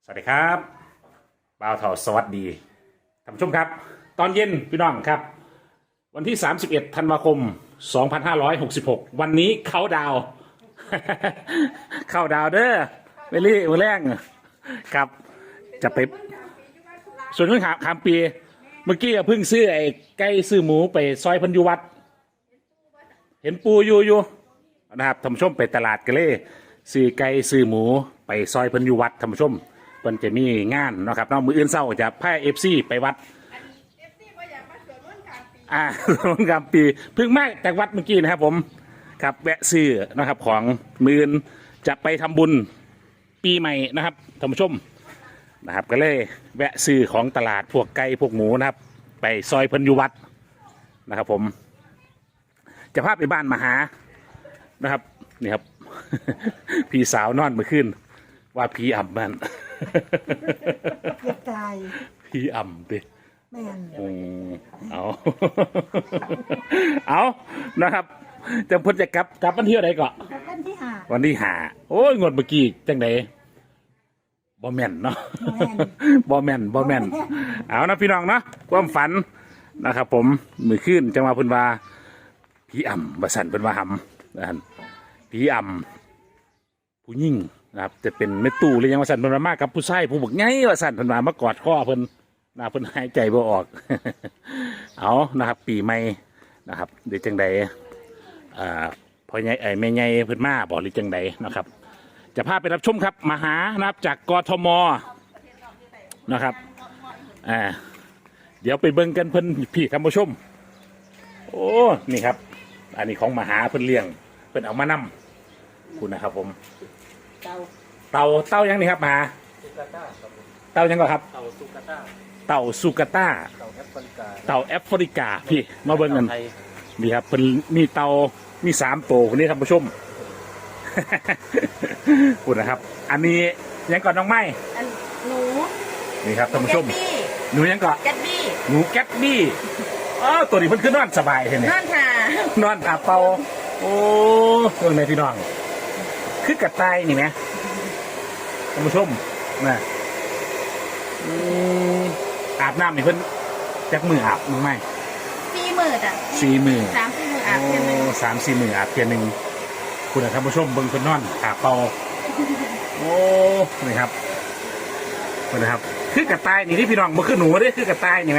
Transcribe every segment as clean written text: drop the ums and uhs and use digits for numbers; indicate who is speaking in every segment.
Speaker 1: สวัสดีครับบ่าวเถาสวัสดีท่านผู้ชมครับตอนเย็นพี่น้องครับวันที่31ธันวาคม2566วันนี้เขาดาว เข้าดาวเด้อเวลี่มือแรงครับจะไปส่วนเรื่องขามปีเมื่อกี้เพิ่งซื้อไอ้ไก่ซื้อหมูไปซอยพันยุวัดเห็นปูอยู่นะครับท่านผู้ชมไปตลาดกันเลยซื้อไก่ซื้อหมูไปซอยพันยุวัดท่านผู้ชมมันจะมีงานนะครับน้องมืออื่นเศร้าจะพาFCไปวัดสวนกลางปีเพิ่งมาจากวัดเมื่อกี้นะครับผมครับแวะซื้อนะครับของมืออื่นจะไปทำบุญปีใหม่นะครับท่านผู้ชมนะครับก็เลยแวะซื้อของตลาดพวกไก่พวกหมูนะครับไปซอยพันยุวัดนะครับผมจะพาไปบ้านมาหานะครับนี่ครับ พี่สาวนอนเมื่อคืนว่าผีอ่ำมัน
Speaker 2: อย่าตาย
Speaker 1: ผีอ่ำดิ
Speaker 2: แม่น
Speaker 1: เอา เอานะครับจะพ้นจะกลับวันเที่ยวไหนก่อน
Speaker 2: วันที่ห้า
Speaker 1: วันที่5โอ้ยงวดเมื่อกี้จังไดบ่แม่นเนาะ บ่แม่นเอานะพี่น้องเนาะความฝันนะครับผมมือขึ้นจังหวะเพิ่นว่าผีอ่ำบ่สั่นเพิ่นว่าหำนะฮะผีอ่ำผู้หญิงนะครับจะเป็นแม่ตู้หรือยังว่าสั่นเพิ่นว่ามากับผู้ชายผู้บักใหญ่ว่าสั่นเพิ่นว่ามากอดคอเพิ่นนะเพิ่นหายใจบ่ออก เอานะครับปีใหม่นะครับเดี๋ยวจังใดพ่อใหญ่แม่ใหญ่เพิ่นมาบอกหรือจังใดนะครับจะพาไปรับชมครับมาหานะครับจากกทมนะครับเดี๋ยวไปเบิ่งกันเพิ่นพี่ท่านผู้ชมโอ้นี่ครับอันนี้ของมหาเพิ่นเลี้ยงเพิ่นเอามานำคุณนะครับผมเต่ายังนี่ครับมหาเต่ายังก็ครับเต่าสุกาต้าเต่าแอฟริกาพี่มาเบิ่งกันนี่ครับเพิ่นมีเต่ามี3ตัวคนนี้ท่านผู้ชม คุณนะครับอันนี้ยังก่อนน้องไม้
Speaker 2: หนู
Speaker 1: นี่ครับท่านผู้ชมหนูยังก่อน
Speaker 2: แกตบี้
Speaker 1: หนูแก๊ตบี้ตัวนี้เพิ่นขึ้นนอนสบายเห็นไหม
Speaker 2: นอนค่ะ
Speaker 1: นอนอาบเป่าโอ้เรื่องไหนพี่น้องคือกระต่ายนี่ไหมท่านผู้ชมนะอาบน้ำนี่เพิ่นจักมืออาบมือไหม
Speaker 2: 40,000อ่ะ
Speaker 1: 4 มือ
Speaker 2: 3-4 มื้ออาบเพียงหนึง
Speaker 1: 3-4 มืออาบเพียงหนึ่งคุณท่านผู้ชมเบิ่งเพิ่นนอนอาบเป่าโอ้นี่ครับนี่นะครับคือกระต่ายนี่ที่พี่น้องบ่คือหนูเด้คือกระต่ายนี่ไหม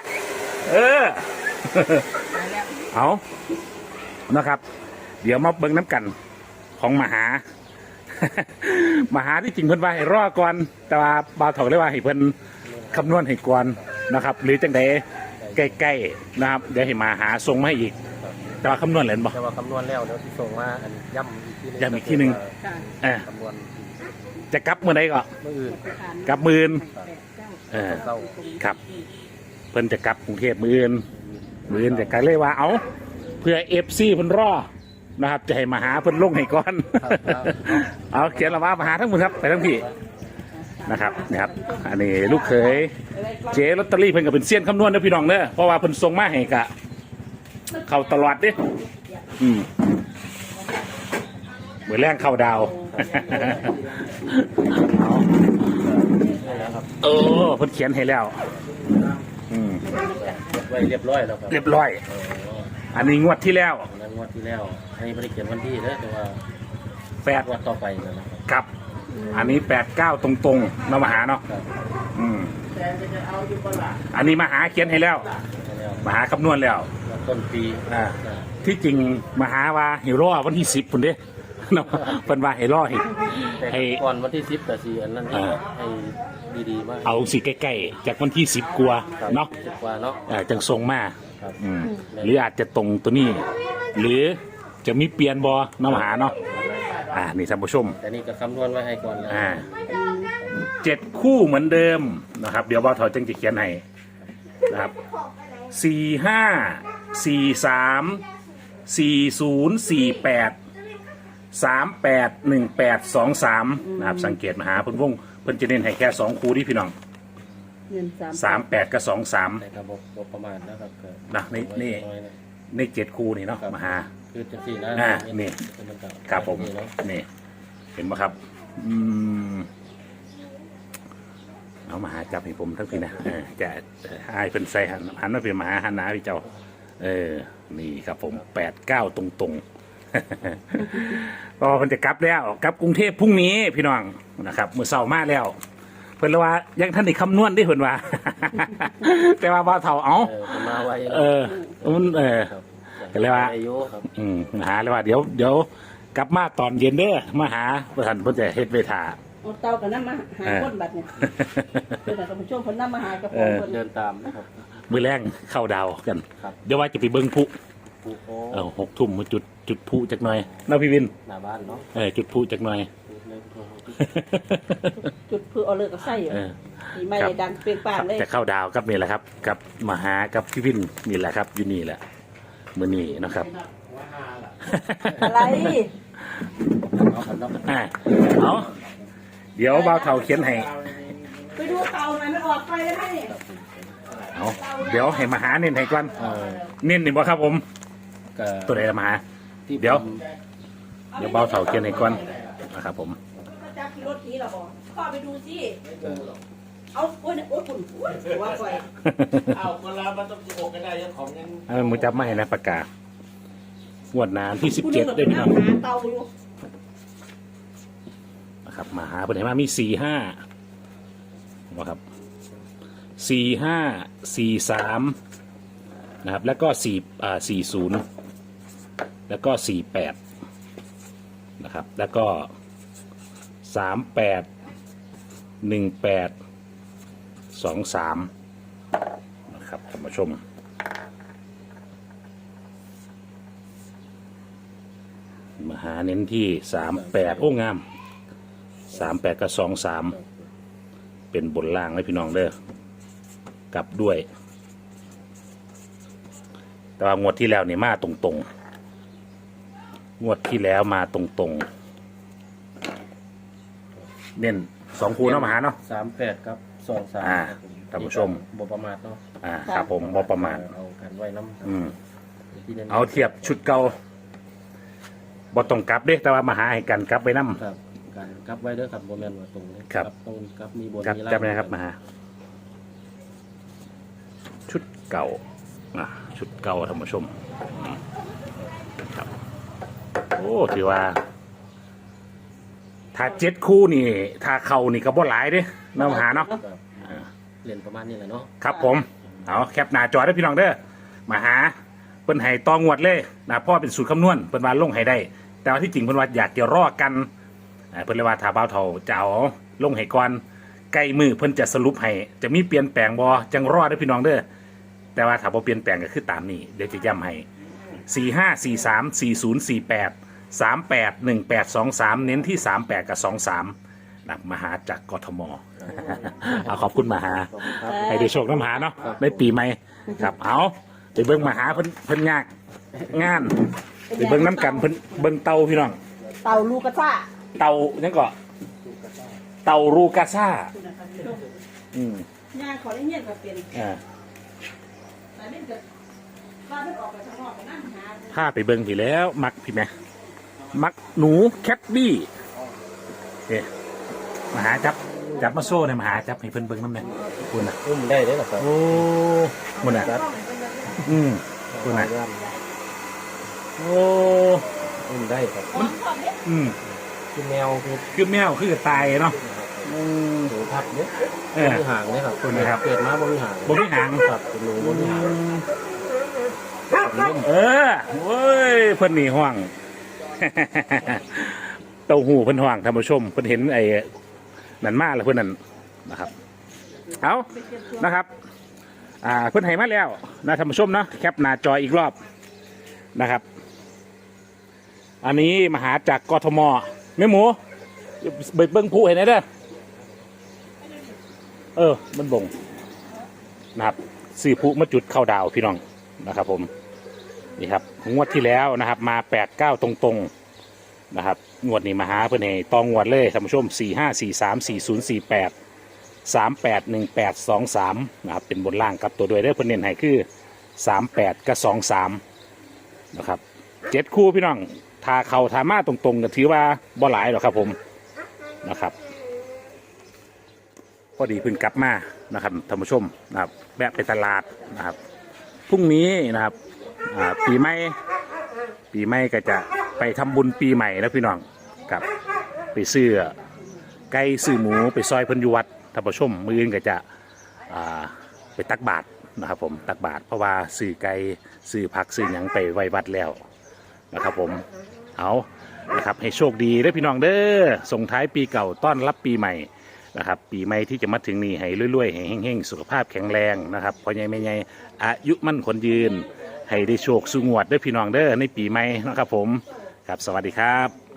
Speaker 1: เอานะครับเดี๋ยวมาเบิ่งน้ำกันของมหา มหาที่จริงเพิ่นว่าให้รอก่อนแต่ว่าบ่าวถอกเลยว่าให้เพิ่นคำนวณให้ก่อนนะครับหรือจังใดใกล้ๆนะครับเดี๋ยวให้มาหาส่งมาให้อีกแต่ว่าคำนวณเหรนบ่
Speaker 3: แต่ว่าคำนวณแล้วเดี๋ยวที่ส่งมาอันย่ำอีกทีนึง
Speaker 1: ย้ำอีกทีหนึ่ง
Speaker 3: คำนวณ
Speaker 1: จะกลับมื้อใดก็
Speaker 3: เมื่ออื่น
Speaker 1: กลับมื้ออื่น
Speaker 3: เศร้า
Speaker 1: ครับเพิ่นจะกลับกรุงเทพมื้ออื่นจะกลับเลยว่าเอาเพื่อ FC เพิ่นรอนะครับจะให้มาหาเพิ่นลงให้ก่อน เอาเขียนละว่ามาหาทั้งหมดครับไปทั้งพี่นะครับอันนี้ลูกเขยเจ๊ลอตเตอรี่เพิ่นก็เป็นเซียนคำนวณนะพี่น้องเด้อเพราะว่าเพิ่นส่งมาให้กะเข้าตลอดเด้เหมือนแรงเข้าดาว เพิ่นเขียนให้แล้ว
Speaker 3: ไว้เรียบร้อยแล้วครับ
Speaker 1: เรียบร้อยอันนี้งวดที่แล้ว
Speaker 3: งวดที่แล้วอันนี้ไม่ได้เขียนวันที่นะแต่ว่า
Speaker 1: 8
Speaker 3: งวดต่อไปนะครับ
Speaker 1: ครับอันนี้89ตรงๆเนาะมาหาเนาะอันนี้มาหาเขียนให้แล้วมาหาคำนวณแล้ว
Speaker 3: ต้นปี
Speaker 1: ที่จริงมาหาว่าให้รอวันที่10พุ่นเด้ เนาะเพิ่นว่าให้รอให้
Speaker 3: แต่ก่อนวันที่10แต่4อันนั้นให้ดีๆมาก
Speaker 1: เอาสิใกล้ๆจากวันที่10กว่าเนาะ
Speaker 3: 10 กว่าเนาะ
Speaker 1: จังทรงมา
Speaker 3: ครับ
Speaker 1: หรืออาจจะตรงตัวนี้ หรือจะมีเปลี่ยนบ่เนาะมาหาเนาะนี่ท่านผู้ชม
Speaker 3: แต่นี่ก็คำนวณไว้ให้ก่อนแล้ว
Speaker 1: 7 คู่เหมือนเดิมนะครับเดี๋ยวบ่าวถอยจึงจะเขียนให้นะครับ45 43 40 48 38 18 23นะครับสังเกตมาหาเพิ่นวงเพิ่นจะเน้นให้แค่2คู่ที่พี่น้อง
Speaker 2: เงิน
Speaker 1: 38 กับ 23
Speaker 3: แต่ก็บอกประมาณนะครับก็
Speaker 1: นะใน7 คู่นี่เนาะมาหา
Speaker 3: คือจังสี่นะ
Speaker 1: นี่
Speaker 3: มันก็
Speaker 1: ครับผม
Speaker 3: เนาะ
Speaker 1: นี่เห็นไหมครับเอามาหาจับให้ผมทั้งพี่นะจะให้เป็นใส่หันมาเป็นมหาหันหนาพี่เจ้านี่ครับผม89ตรงๆ ก็มันจะกลับแล้วกลับกรุงเทพพรุ่งนี้พี่น้องนะครับมื้อเช้ามาแล้วเพิ่นว่ายังท่านได้คำนวณได้เพิ่นว่า แต่ว่าบ่าวเฒ่าเอา
Speaker 3: มันมาไว้
Speaker 1: มัน
Speaker 3: ครับ
Speaker 1: ก็เลยว่า
Speaker 3: อายุครับ
Speaker 1: หาเลยว่าเดี๋ยวกลับมาตอนเย็นเด้อมาหาประธานเพิ่นจะเฮ็ดเวทา
Speaker 2: เอาเตากับน้ำมาหาคนบัดเนี่ยเพื่อนกับผู้ชมคนน้ำมาหากระโปรงคน
Speaker 3: เดินตามนะครับ
Speaker 1: มื้อแรงเข้าดาวกัน
Speaker 3: ครับ
Speaker 1: เดี๋ยวว่าจะไปเบิ่งพลุ
Speaker 3: ปูโอ
Speaker 1: 6 ทุ่มมาจุดพลุจักหน่อยเนาะพี่วิน
Speaker 3: หน้าบ้านเนาะ
Speaker 1: จุดพลุจักหน่อย
Speaker 2: จุดเพื่อเอาเลิกกับไส้อยู่มีไม้ดังเปรียงป่านเลย
Speaker 1: จะเข้าดาวกับนี่แหละครับ กับมาหากับพี่วินนี่แหละครับอยู่นี่แหละมื้อนี้นะครับ
Speaker 2: อะไร
Speaker 3: เอาครับเนาะ
Speaker 1: เอาเดี๋ยวบ่าวเฒ่าเขียนให้
Speaker 2: ไปดูเตาหน่อยมันออกไปแล้วไหมเนี่ย
Speaker 1: เอาเดี๋ยวให้มาหาเน้นให้ก่อน
Speaker 3: เออ
Speaker 1: เน้นนี่บ่ครับผม
Speaker 3: ก็
Speaker 1: ตัวไหนมาหา
Speaker 3: ที่
Speaker 1: เดี๋ยว
Speaker 3: ผม
Speaker 1: เดี๋ยวเบาเสาเขียนให้ก่อนนะครับผม
Speaker 2: ถ้าจับขี่รถขี่เราบอกพ่อไปดูสิเอาโอ้ยโอ้ยคุณโอ้ยหัวไฟ
Speaker 3: เอาคนละมันต้อง16กันได้ยังของยัง
Speaker 1: มึงจับไม่นะประกาศงวดนานที่17ได้พี่น้อง
Speaker 2: หาเตาอยู่
Speaker 1: นะครับมาหาเป็นไหนมามี45นะครับ45 43นะครับแล้วก็40แล้วก็48นะครับแล้วก็38 18 23นะครับท่านผู้ชมมาหาเน้นที่38โอ้งาม38กับ23เป็นบนล่างเลยพี่น้องเด้อกลับด้วย แต่ว่างวดที่แล้วนี่มาตรงๆงวดที่แล้วมาตรงๆเน้น2คู่เนาะมาหาเนาะ
Speaker 3: 38ครับ23
Speaker 1: ท่านผู้ชม
Speaker 3: บ่ประมาทเนาะ
Speaker 1: ครับผมบ่ประมาณ
Speaker 3: เอากันไว้น้ำ ที่น้น
Speaker 1: เอาเทียบชุดเก่าบ่ต้องกลับเด้แต่ว่ามาหาให้กันกลับไปนำ
Speaker 3: ครับการกลับไว้เด้อครับบ่แม่นว่าตรงนี้
Speaker 1: ครับ
Speaker 3: ตรงกลับมีบน
Speaker 1: กลับ
Speaker 3: มีล่าง
Speaker 1: จำได้ครับมาหาชุดเก่าชุดเก่าท่านผู้ชมครับโอ้ถือว่า ถ้า7คู่นี่ ถ้าเข้านี่ก็บ่หลายเด้เนาะมาหาเนาะ
Speaker 3: ครับเรียนประมาณนี้แหละเนาะ
Speaker 1: ครับผมเอาแคปหน้าจอได้พี่น้องเด้อมาหาเพิ่นให้ตองวดเลยนะพ่อเป็นสูตรคำนวณเพิ่นว่าลงให้ได้ แต่ว่าที่จริงเพิ่นว่าอยากจะรอกันเพิ่นเลยว่าถ้าบ่าวเฒ่าจะเอาลงให้ก่อนใกล้มือเพิ่นจะสรุปให้จะมีเปลี่ยนแปลงบ่จังรอได้พี่น้องเด้อแต่ว่าถ้าบ่เปลี่ยนแปลงก็คือตามนี้เดี๋ยวจะย้ำให้45 43 40 48 38 18 23เน้นที่38กับ23นะมาหาจากกทม เอาขอบคุณมาหา
Speaker 3: ขอบคุณครับ
Speaker 1: ให้ได้โชคน้ำหาเนาะในปีใหม่ครับเอาไปเบิ่งมาหาเพิ่นยากงานไปเบิ่งน้ำกันเพิ่นเบิ่งเตาพี่น้อง
Speaker 2: เตาลูกกระซ่า
Speaker 1: เตานั่นก็เตารูกาซ่า
Speaker 2: ย่างขอได้เงียบกับเป็น
Speaker 1: อ่า
Speaker 2: แต่เล่นกับบ้านมันออกไปข้างนอกไปนั่งหา
Speaker 1: พาไปเบิ่งพี่แล้วมักพี่แม่มักหนูแคทบี้เอ๊ะมาหาจับมาโซ่เนี่ยมาหาจับให้เพิ่นเบิ่งน้ำเนี่ยคุณน่ะ
Speaker 3: อุ้มได้เด้อครับ
Speaker 1: โอ้มันน่ะ
Speaker 3: ครับ
Speaker 1: คุณน่ะโอ้
Speaker 3: อุ้มได้ครับ
Speaker 1: อืม
Speaker 3: คือแมวคือ
Speaker 1: คือแมวคือตายเนาะ
Speaker 3: หนูทับเนี่ย
Speaker 1: เออ
Speaker 3: บ่มีหางเนี่ยครับ
Speaker 1: คุณนะครับ
Speaker 3: เกิดมาบ่มีหาง
Speaker 1: บ่มีหาง
Speaker 3: ครับเป็นหนูบ่มีหาง
Speaker 1: เว้ยเพิ่นนี่ห่วง เต้าหู้เพิ่นห่วงท่านผู้ชมเพิ่นเห็นไอ้นั่นมาแล้วเพิ่นนั่นนะครับเอานะครับเพิ่นให้มาแล้วนะท่านผู้ชมเนาะแคปหน้าจออีกรอบนะครับ อันนี้มาหาจากกทมแม่หมูเบิ่งผู้เห็นไหมเด้อมันบ่งนะครับซื้อผู้มาจุดเข้าดาวพี่น้องนะครับผมนี่ครับงวดที่แล้วนะครับมา89ตรงๆนะครับงวดนี้มาหาเพื่อนให้ตองงวดเลยท่านผู้ชม45434048 381823นะครับเป็นบนล่างกับตัวด้วยได้เพื่อนเน้นให้คือ38กับ23นะครับ7คู่พี่น้องทาเข่าทามาตรงๆก็ถือว่าบ่หลายหรอกครับผมนะครับอดีเพิ่งกลับมานะครับท่านผู้ชมนะครับแวะไปตลาดนะครับพรุ่งนี้นะครับปีใหม่ก็จะไปทำบุญปีใหม่นะพี่น้องกับไปซื้อไก่ซื้อหมูไปซอยเพิ่นอยู่วัดท่านผู้ชมมื้ออื่นก็จะไปตักบาตรนะครับผมตักบาตรเพราะว่าซื้อไก่ซื้อผักซื้อหยังไปไว้วัดแล้วนะครับผมเอานะครับให้โชคดีเด้อพี่น้องเด้อส่งท้ายปีเก่าต้อนรับปีใหม่นะครับปีใหม่ที่จะมาถึงนี่ให้รวยๆให้เฮงๆสุขภาพแข็งแรงนะครับพ่อใหญ่แม่ใหญ่อายุมั่นขวัญยืนให้ได้โชคสุงวดเด้อพี่น้องเด้อในปีใหม่นะครับผมครับสวัสดีครับ